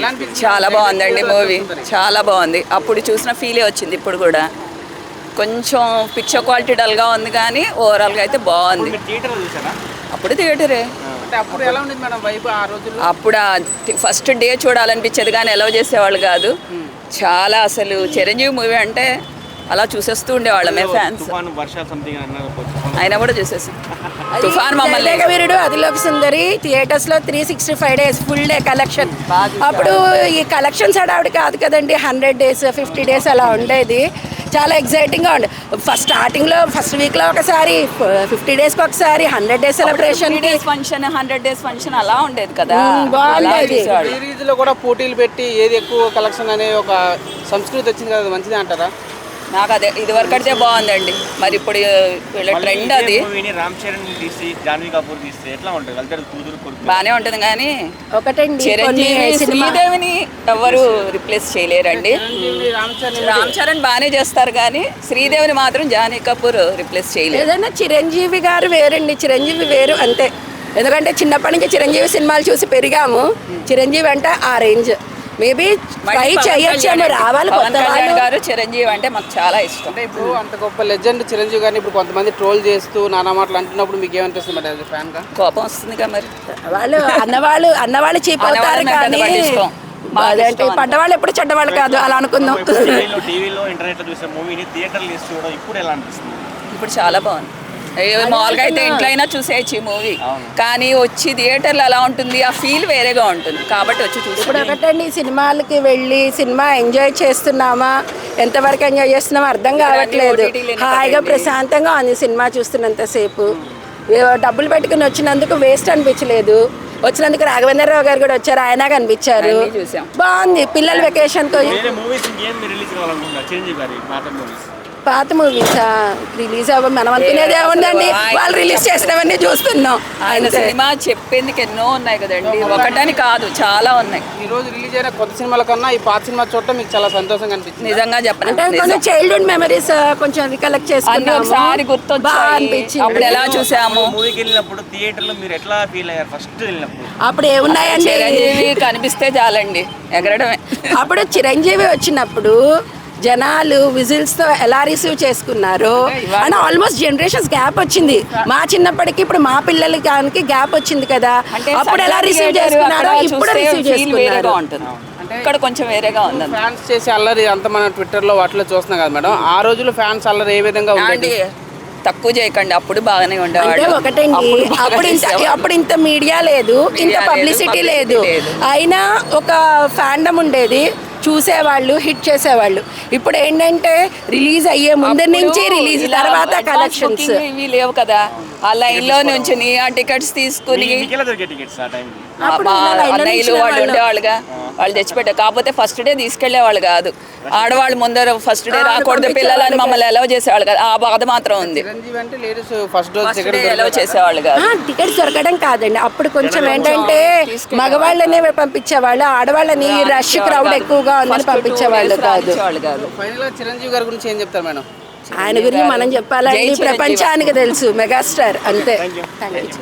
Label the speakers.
Speaker 1: చాలా బాగుందండి మూవీ, చాలా బాగుంది. అప్పుడు చూసిన ఫీలే వచ్చింది ఇప్పుడు కూడా. కొంచెం పిక్చర్ క్వాలిటీ డల్గా ఉంది కానీ ఓవరాల్గా అయితే బాగుంది. అప్పుడు థియేటరే. అప్పుడు ఫస్ట్ డే చూడాలనిపించేది కానీ అలౌ చేసేవాళ్ళు కాదు. చాలా అసలు చిరంజీవి మూవీ అంటే అలా చూసేస్తూ ఉండేవాళ్ళమే ఫ్యాన్స్. అయినా కూడా చూసేసాం. తుఫాన్ మమ్మల్ని
Speaker 2: వీరుడు అదిలోకి సుందరి థియేటర్స్ లో 365 days ఫుల్ డే కలెక్షన్. అప్పుడు ఈ కలెక్షన్స్ హడావిడి కాదు కదండి, 100 days 50 days అలా ఉండేది. చాలా ఎగ్జైటింగ్గా ఉండే. ఫస్ట్ స్టార్టింగ్లో ఫస్ట్ వీక్లో ఒకసారి, 50 days ఒకసారి, 100 days celebration
Speaker 1: function, 100 days function అలా ఉండేది కదా.
Speaker 2: బాగుండేది.
Speaker 3: సిరీస్లో కూడా పోటీలు పెట్టి ఏది ఎక్కువ కలెక్షన్ అనే ఒక సంస్కృతి వచ్చింది కదా, మంచిదే అంటారా?
Speaker 1: నాకు అదే ఇది వరకు అయితే బాగుందండి. మరి ఇప్పుడు వీళ్ళ ట్రెండ్ అది బాగానే ఉంటుంది కానీ చిరంజీవి శ్రీదేవిని ఎవరు రిప్లేస్ చేయలేరండి. రామ్ చరణ్ బాగానే చేస్తారు కానీ శ్రీదేవిని మాత్రం జాహ్నవి కపూర్ రిప్లేస్ చేయలేదు.
Speaker 2: ఏదైనా చిరంజీవి గారు వేరండి, చిరంజీవి వేరు అంతే. ఎందుకంటే చిన్నప్పటి నుంచి చిరంజీవి సినిమాలు చూసి పెరిగాము. చిరంజీవి అంటే ఆ రేంజ్. మేబీ ట్రై చేయొచ్చేమో, రావాలి.
Speaker 1: పవన్ కళ్యాణ్ గారు చిరంజీవి అంటే మాకు చాలా ఇష్టం.
Speaker 3: అంటే ఇప్పుడు అంత గొప్ప లెజెండ్ చిరంజీవి గారిని ఇప్పుడు కొంతమంది ట్రోల్ చేస్తూ నానా మాటలు అంటున్నప్పుడు మీకు ఏమనిపిస్తుంది మరి ఫ్యాన్ గా?
Speaker 1: కోపం వస్తుందిగా మరి.
Speaker 2: వాళ్ళు అన్నవాళ్ళు చీప్ అవుతారు కానీ పడ్డవాళ్ళు ఎప్పుడు చెడ్డవాళ్ళు కాదు, అలా అనుకుందాం.
Speaker 1: ఇప్పుడు చాలా బాగుంది. మామూలుగా అయితే ఇంట్లో అయినా చూసేయచ్చు ఈ మూవీ, కానీ వచ్చి థియేటర్లో ఎలా ఉంటుంది, ఆ ఫీల్ వేరేగా ఉంటుంది కాబట్టి వచ్చి చూసి.
Speaker 2: ఇప్పుడు ఒకటండి, సినిమాలకి వెళ్ళి సినిమా ఎంజాయ్ చేస్తున్నామా, ఎంతవరకు ఎంజాయ్ చేస్తున్నామా అర్థం కావట్లేదు. హాయిగా ప్రశాంతంగా ఉంది సినిమా చూస్తున్నంతసేపు. డబ్బులు పెట్టుకుని వచ్చినందుకు వేస్ట్ అనిపించలేదు. వచ్చినందుకు రాఘవేంద్రరావు గారు కూడా వచ్చారు, ఆయన కనిపించారు. బాగుంది. పిల్లల వెకేషన్ పాత మూవీసా రిలీజ్ అవ్వ మనం అనుకునేదే ఉందండి. వాళ్ళు రిలీజ్ చేసినవన్నీ చూస్తున్నాం.
Speaker 1: ఆయన సినిమా చెప్పేందుకు ఎన్నో ఉన్నాయి కదండి, ఒకటని కాదు, చాలా ఉన్నాయి.
Speaker 3: ఈ రోజు రిలీజ్ అయిన కొత్త సినిమాల కన్నా ఈ పాత సినిమా చూడటం మీకు చాలా సంతోషంగా అనిపించింది.
Speaker 1: నిజంగా చెప్పండి,
Speaker 2: కొంచెం చైల్డ్హుడ్ మెమరీస్ కొంచెం రికలెక్ట్ చేసుకున్నాం.
Speaker 1: ఒకసారి గుర్తొచ్చి అప్పుడు ఎలా చూసాము.
Speaker 4: మూవీకి వెళ్ళినప్పుడు థియేటర్ లో మీరు ఎట్లా ఫీల్ అయ్యారు ఫస్ట్ వెళ్ళినప్పుడు?
Speaker 2: అప్పుడు ఏమున్నాయండి,
Speaker 1: చిరంజీవి కనిపిస్తే చాలండి ఎగరడమే.
Speaker 2: అప్పుడు చిరంజీవి వచ్చినప్పుడు జనాలు విజిల్స్తో ఎలా రిసీవ్ చేసుకున్నారు అని ఆల్మోస్ట్ జనరేషన్స్ గ్యాప్ వచ్చింది. మా చిన్నప్పటికి ఇప్పుడు మా పిల్లలకి గ్యాప్ వచ్చింది కదా, అప్పుడు ఎలా రిసీవ్ చేసుకున్నారో ఇప్పుడు రిసీవ్ చేసుకున్నారు.
Speaker 1: ఇక్కడ కొంచెం వేరేగా ఉంది.
Speaker 3: ఫ్యాన్స్ చేసే అల్లరి అంత మనం ట్విట్టర్లో వాటిలో చూస్తున్నాం కదా మేడం, ఆ రోజులో ఫ్యాన్స్ అల్లరి ఏ విధంగా ఉంది?
Speaker 1: తక్కువ చేయకండి, అప్పుడు బాగానే ఉండేవాళ్ళు.
Speaker 2: ఒకటండి, అప్పుడు ఇంత మీడియా లేదు, ఇంత పబ్లిసిటీ లేదు, అయినా ఒక ఫ్యాండమ్ ఉండేది, చూసేవాళ్ళు, హిట్ చేసేవాళ్ళు. ఇప్పుడు ఏంటంటే రిలీజ్ అయ్యే ముందు నుంచి రిలీజ్ తర్వాత కలెక్షన్స్
Speaker 1: ఇవి లేవు కదా, ఆ లైన్ లో నుంచి ఆ టికెట్స్ తీసుకుని అన్నయ్యలు వాళ్ళు ఉండేవాళ్ళుగా, వాళ్ళు తెచ్చిపెట్టారు. కాకపోతే ఫస్ట్ డే తీసుకెళ్లేవాళ్ళు కాదు, ఆడవాళ్ళు ముందర ఫస్ట్ డే రాకూడదు పిల్లలని మమ్మల్ని అలౌ చేసేవాళ్ళు కాదు. ఆ బాధ మాత్రం ఉంది. అలౌ చేసేవాళ్ళు కాదు.
Speaker 2: టికెట్స్ దొరకడం కాదండి, అప్పుడు కొంచెం ఏంటంటే మగవాళ్ళనే పంపించేవాళ్ళు, ఆడవాళ్ళని రష్ క్రౌడ్ ఎక్కువగా ఉందని పంపించేవాళ్ళు కాదు.
Speaker 3: చిరంజీవి గారి గురించి ఏం చెప్తారు మేడం?
Speaker 2: ఆయన గురించి మనం చెప్పాలంటే ప్రపంచానికి తెలుసు, మెగాస్టార్ అంతే.